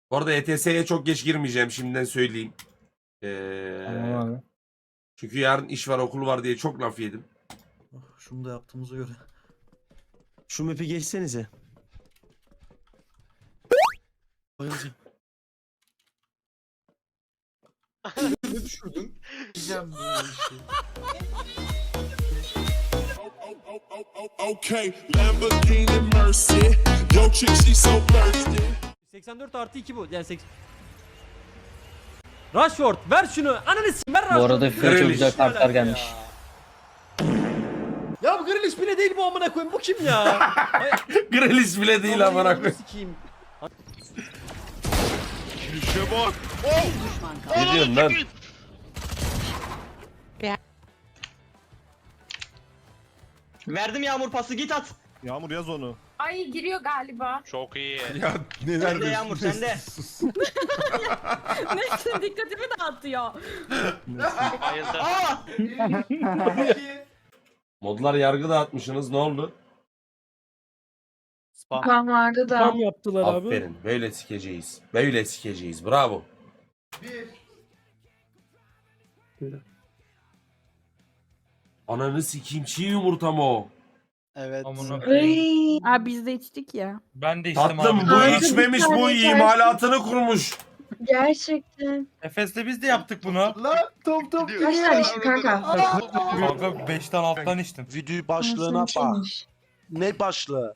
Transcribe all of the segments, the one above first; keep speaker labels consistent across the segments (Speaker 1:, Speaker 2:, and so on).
Speaker 1: Bu arada ETS'ye çok geç girmeyeceğim, şimdiden söyleyeyim.
Speaker 2: Tamam abi.
Speaker 1: Çünkü yarın iş var, okul var diye çok laf yedim.
Speaker 3: Oh, şunu da yaptığımıza göre.
Speaker 4: Şu map'i geçsenize.
Speaker 3: Bayılacağım.
Speaker 5: Ne düşürdün?
Speaker 3: Diyeceğim böyle bir şey.
Speaker 6: Okay, Lamborghini Mercy. Yo chick, she so thirsty.
Speaker 7: 84 artı 2 bu. Yani 80. Rashford ver şunu. Ananı s*** ver Rashford.
Speaker 2: Bu arada FIFA'ya çok güzel kartlar gelmiş.
Speaker 7: Ya bu Grealish bile değil bu amına koyayım. Bu kim ya?
Speaker 1: Grealish bile değil amına koyayım.
Speaker 7: Sikeyim.
Speaker 6: Girişe bak.
Speaker 1: Ne diyorsun lan?
Speaker 8: Verdim Yağmur pası, git at.
Speaker 5: Yağmur yaz onu.
Speaker 9: Ay giriyor galiba.
Speaker 6: Çok iyi.
Speaker 5: Ya neler
Speaker 8: Sende Yağmur, sende.
Speaker 9: Neyse dikkatimi dağıtıyor.
Speaker 6: Bayıldım.
Speaker 8: Aa!
Speaker 1: Modlar yargı dağıtmışsınız, ne oldu?
Speaker 9: Kan vardı da.
Speaker 7: Tam yaptılar abi.
Speaker 1: Aferin, böyle sikeceğiz. Böyle sikeceğiz, bravo. Ananı sikeyim, çiğ yumurta mı o?
Speaker 8: Evet.
Speaker 9: Abi biz de içtik ya.
Speaker 10: Ben de içtim
Speaker 1: Tatlım
Speaker 10: abi.
Speaker 1: bu
Speaker 9: Abi,
Speaker 1: içmemiş,
Speaker 9: bir
Speaker 1: bu
Speaker 9: tane
Speaker 1: imalatını kurmuş.
Speaker 9: Gerçekten.
Speaker 10: Efes'le biz de yaptık bunu.
Speaker 5: La top top.
Speaker 9: Kaç tane içtik kanka?
Speaker 10: Kanka 5'ten alttan içtim.
Speaker 4: Video başlığına bak. Ne başlığı?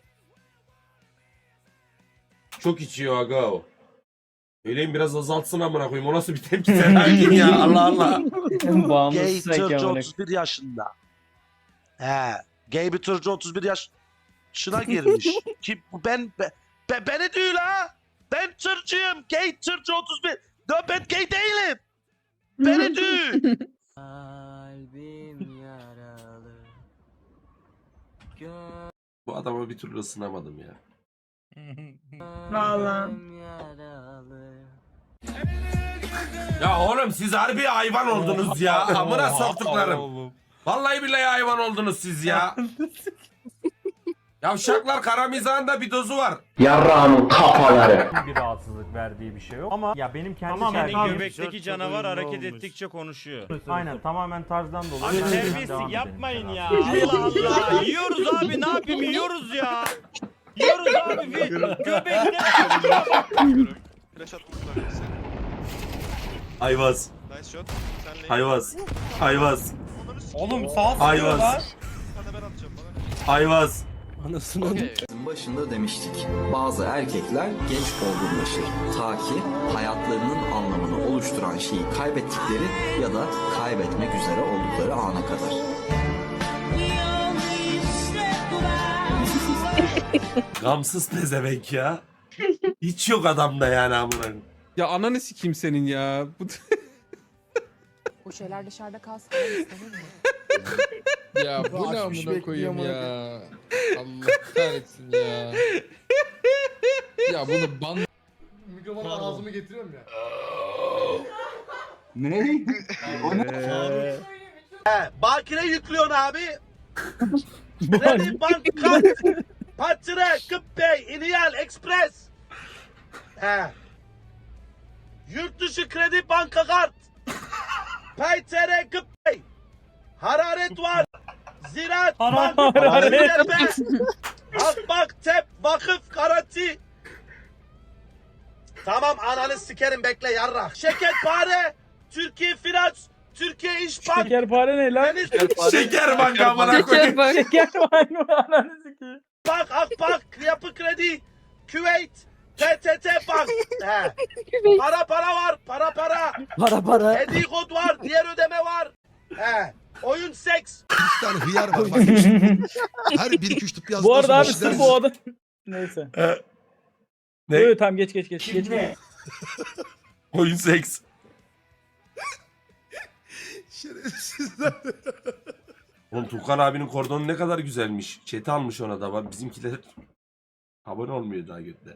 Speaker 1: Çok içiyor aga o. Öyleyim biraz azaltsın amına koyayım. O nasıl bir tepki Selahattin ya, Allah Allah.
Speaker 2: Bağımlısı
Speaker 4: Gay
Speaker 2: sürekli
Speaker 4: tırcı
Speaker 2: amına.
Speaker 4: 31 yaşında. He. Gay bir tırcı 31 yaşına girmiş. Kim beni değil ha. Ben tırcıyım. Gay tırcı 31. No, ben gay değilim. Beni değil.
Speaker 3: Kalbim yaralı.
Speaker 1: Bu adama bir türlü ısınamadım ya.
Speaker 9: Vallahi.
Speaker 3: Yaralı.
Speaker 1: Ya oğlum siz harbi hayvan oldunuz ya. Amına soktuklarım. Vallahi billahi hayvan oldunuz siz ya. Yavşaklar, kara mizahın da bir dozu var.
Speaker 2: Yarrağımın kafaları.
Speaker 10: Bir rahatsızlık verdiği bir şey yok. Ama ya benim kendi
Speaker 7: Tamamen
Speaker 10: göbekteki canavar hareket ettikçe konuşuyor. Aynen, tamamen tarzdan dolayı.
Speaker 7: Abi
Speaker 10: Ben devam
Speaker 7: terbiyesizlik
Speaker 10: edelim
Speaker 7: yapmayın
Speaker 10: sen
Speaker 7: ya.
Speaker 10: abi.
Speaker 7: Allah Allah. Yiyoruz abi, ne yapayım, yiyoruz ya. Yiyoruz abi. Göbekte.
Speaker 6: Flash attım sana.
Speaker 1: Ayvaz.
Speaker 6: Nice shot. Senle.
Speaker 1: Ayvaz. Ayvaz.
Speaker 10: Oğlum sağ
Speaker 1: Ayvaz.
Speaker 10: sıkıyorlar.
Speaker 6: Hadi ben atacağım bana.
Speaker 1: Ayvaz.
Speaker 11: Başında demiştik. Bazı erkekler geç olgunlaşır. Ta ki hayatlarının anlamını oluşturan şeyi kaybettikleri ya da kaybetmek üzere oldukları ana kadar.
Speaker 1: Gamsız pezevenk ya. Hiç yok adamda yani amına koyayım.
Speaker 5: Ya ananı sikeyim senin ya.
Speaker 9: O şeyler dışarıda kalsın.
Speaker 5: Ya bu ne amına koyayım ya. Allah kahretsin ya. Ya bunu ban... Mikrofonu ağzımı getiriyorum ya.
Speaker 4: Bakire yüklüyorsun abi. Kredi banka. Patire, Kıppey, İniyal, Express. He. Yurt dışı kredi banka kart. Paytere, Kıppey. Hararet var. Ziraat bank. Akbak, tep, vakıf, garanti. Tamam ananı sikerim bekle yarra. Şekerpare, Türkiye Finans, Türkiye İş Bank.
Speaker 7: Şekerpare ne lan?
Speaker 1: Şeker banka amına koyayım.
Speaker 7: Şekerpare mi ananı sikeyim?
Speaker 4: Bank, Akbank, Yapı Kredi, Küveyt, PTT Bank. He. Para var, para. Hediye kod var, diğer ödeme var. He. Oyun seks.
Speaker 5: Bir tane hıyar var. Bak, her 1-2-3 tıp yazdıktan
Speaker 7: Bu arada
Speaker 5: sonra
Speaker 7: abi
Speaker 5: bir şeyler
Speaker 7: sırf o adam. Neyse.
Speaker 1: Ne?
Speaker 7: Evet tamam geç.
Speaker 1: Oyun seks.
Speaker 5: Şerefsizler.
Speaker 1: Oğlum Tukan abinin kordonu ne kadar güzelmiş. Chat'i almış ona da. Bak bizimkiler abone olmuyor daha götler.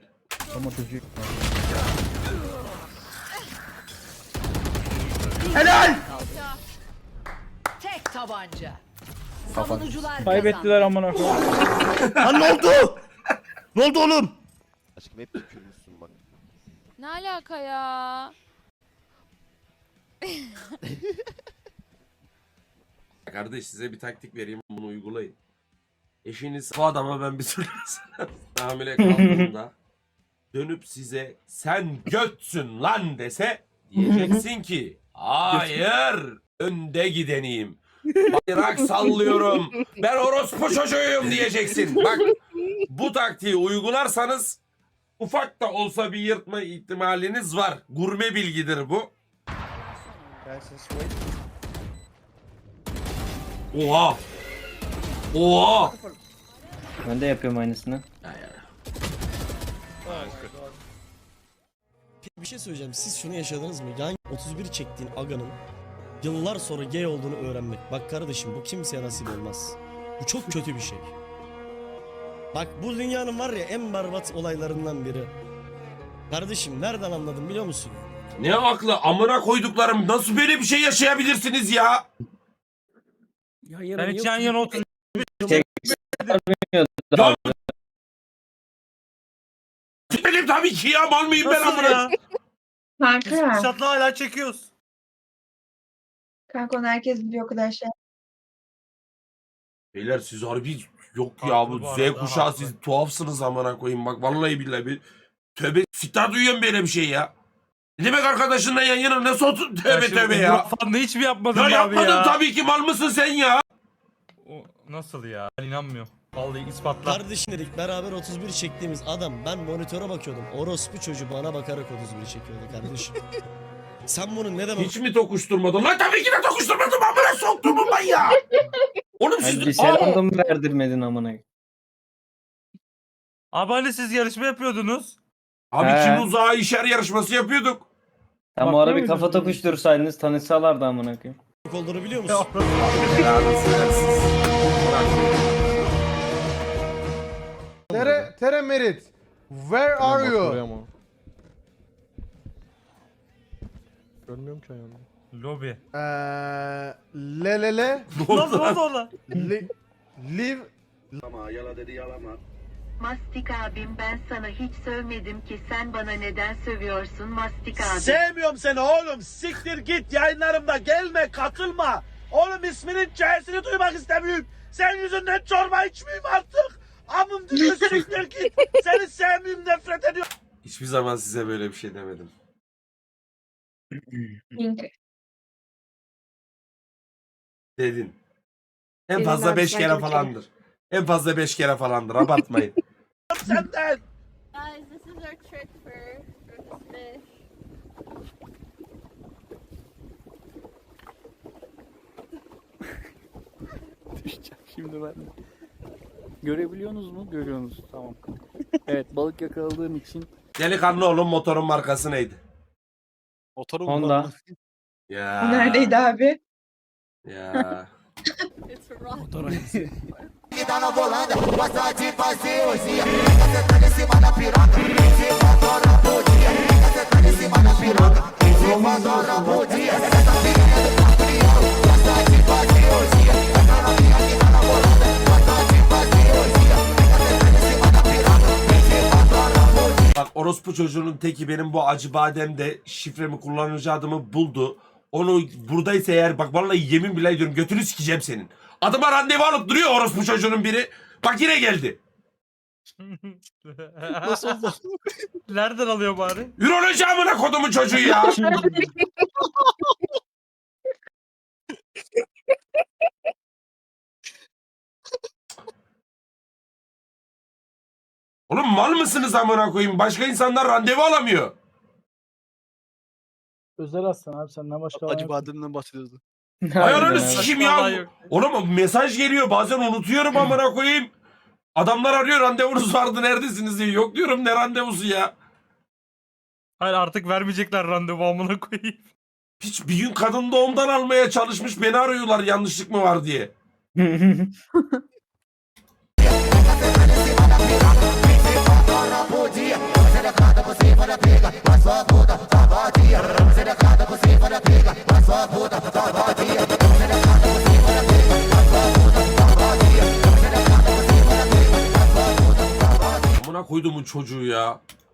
Speaker 9: Tek tabanca. Savunucular
Speaker 7: Kaybettiler amına koyayım.
Speaker 4: Lan ne oldu? Ne oldu oğlum?
Speaker 6: Aşkım hep tükürmüşsün bak.
Speaker 9: Ne alaka ya?
Speaker 1: Kardeş size bir taktik vereyim, bunu uygulayın. Eşiniz bu adama ben bir türlü hamile kaldığımda dönüp size sen götsün lan dese diyeceksin ki hayır önde gideneyim. Bayrak sallıyorum. Ben orospu çocuğuyum diyeceksin. Bak bu taktiği uygularsanız ufak da olsa bir yırtma ihtimaliniz var. Gurme bilgidir bu. Oha. Oha.
Speaker 2: Ben de yapıyorum aynısını.
Speaker 3: Bir şey söyleyeceğim. Siz şunu yaşadınız mı? Yan 31 çektiğin aganın yıllar sonra gay olduğunu öğrenmek. Bak kardeşim bu kimseye nasip olmaz. Bu çok kötü bir şey. Bak bu dünyanın var ya en berbat olaylarından biri. Kardeşim nereden anladın biliyor musun?
Speaker 1: Ne aklı amına koyduklarım, nasıl böyle bir şey yaşayabilirsiniz ya?
Speaker 10: Ben hiç yan yana otur.
Speaker 1: Benim tabii ki ya, mal mıyım ben
Speaker 10: Nasıl
Speaker 1: amına?
Speaker 10: ya?
Speaker 9: Kanka.
Speaker 10: Şatla hala çekiyoruz.
Speaker 9: Kanka onu herkes biliyor arkadaşlar.
Speaker 1: Beyler siz harbi yok ya,
Speaker 10: Haklı
Speaker 1: bu
Speaker 10: bu
Speaker 1: Z
Speaker 10: arada,
Speaker 1: kuşağı
Speaker 10: haklı.
Speaker 1: siz tuhafsınız amına koyayım, bak vallahi billahi bir tövbe siktar duyuyorum böyle bir şey ya. Ne demek arkadaşınla yan yana nasıl otur, tövbe tövbe ya.
Speaker 10: Falan da hiç mi yapmadın
Speaker 1: Ya
Speaker 10: abi
Speaker 1: yapmadın
Speaker 10: ya?
Speaker 1: tabii ki, mal mısın sen ya?
Speaker 10: O, nasıl ya? Ben inanmıyorum. Vallahi ispatla.
Speaker 3: Kardeşim dedik beraber 31 çektiğimiz adam ben monitöre bakıyordum. Orospu çocuğu bana bakarak 31 çekiyordu kardeşim. Sen bunu neden
Speaker 1: Hiç mi tokuşturmadın? Lan tabii ki de tokuşturmadım, amına soktum ben ya. Oğlum
Speaker 2: Hani bir
Speaker 1: siz...
Speaker 2: selam da mı verdirmedin amına?
Speaker 10: Abi hani siz yarışma yapıyordunuz?
Speaker 1: Abi
Speaker 2: He.
Speaker 1: kim uzağa işer yarışması yapıyorduk.
Speaker 2: Tam o ara bir kafa tokuştursaydınız tanışsalardı amına koyayım.
Speaker 3: olduğunu biliyor musun?
Speaker 5: Tere Merit. Where are you? Görmüyorum ki ayağını.
Speaker 10: Lobi.
Speaker 5: Le.
Speaker 10: Nasıl oldu ona?
Speaker 5: Live.
Speaker 9: Mastik abim ben sana hiç sövmedim ki sen bana neden sövüyorsun Mastik abi?
Speaker 4: Sevmiyorum seni oğlum. Siktir git yayınlarımda gelme katılma. Oğlum isminin C'sini duymak istemiyorum. Senin yüzünden çorba içmeyeyim artık. Amım diyor siktir git. Seni sevmiyorum nefret ediyorum.
Speaker 1: Hiçbir zaman size böyle bir şey demedim. Dedin. En
Speaker 9: Dedin
Speaker 1: fazla
Speaker 9: abi,
Speaker 1: 5 kere
Speaker 9: sadece bir
Speaker 1: falandır. En fazla 5 kere falandır. Abartmayın.
Speaker 4: Senden.
Speaker 9: Guys, this is our trick for this fish.
Speaker 2: Şimdi ben görebiliyorsunuz mu? Görüyorsunuz. Tamam. Evet, balık yakaladığım için
Speaker 1: Delikanlı oğlum, motorun markası neydi?
Speaker 2: Honda.
Speaker 1: Ya.
Speaker 9: Neredeydi abi?
Speaker 1: Ya.
Speaker 9: It's rock.
Speaker 1: Bak orospu çocuğunun teki benim bu acı bademde şifremi, kullanıcı adımı buldu. Onu buradaysa eğer, bak vallahi yemin bile ediyorum götünü sikeceğim senin. Adıma randevu alıp duruyor orospu çocuğunun biri. Bak yine geldi.
Speaker 10: Nasıl oldu? Nereden alıyor bari?
Speaker 1: Üroloji amına kodumun çocuğu ya. Oğlum mal mısınız amına koyayım? Başka insanlar randevu alamıyor.
Speaker 2: özel aslan abi senden başka
Speaker 3: Acı bademden bahsediyordu.
Speaker 1: Ayarını sikeyim
Speaker 10: Vallahi
Speaker 1: ya.
Speaker 10: yok.
Speaker 1: Oğlum mesaj geliyor, bazen unutuyorum amına koyayım. Adamlar arıyor, randevunuz vardı neredesiniz diye. Yok diyorum, ne randevusu ya.
Speaker 10: Hayır artık vermeyecekler randevu amına koyayım.
Speaker 1: Hiç bir gün kadın doğumdan almaya çalışmış, beni arıyorlar yanlışlık mı var diye. Amına koyduğumun çocuğu ya.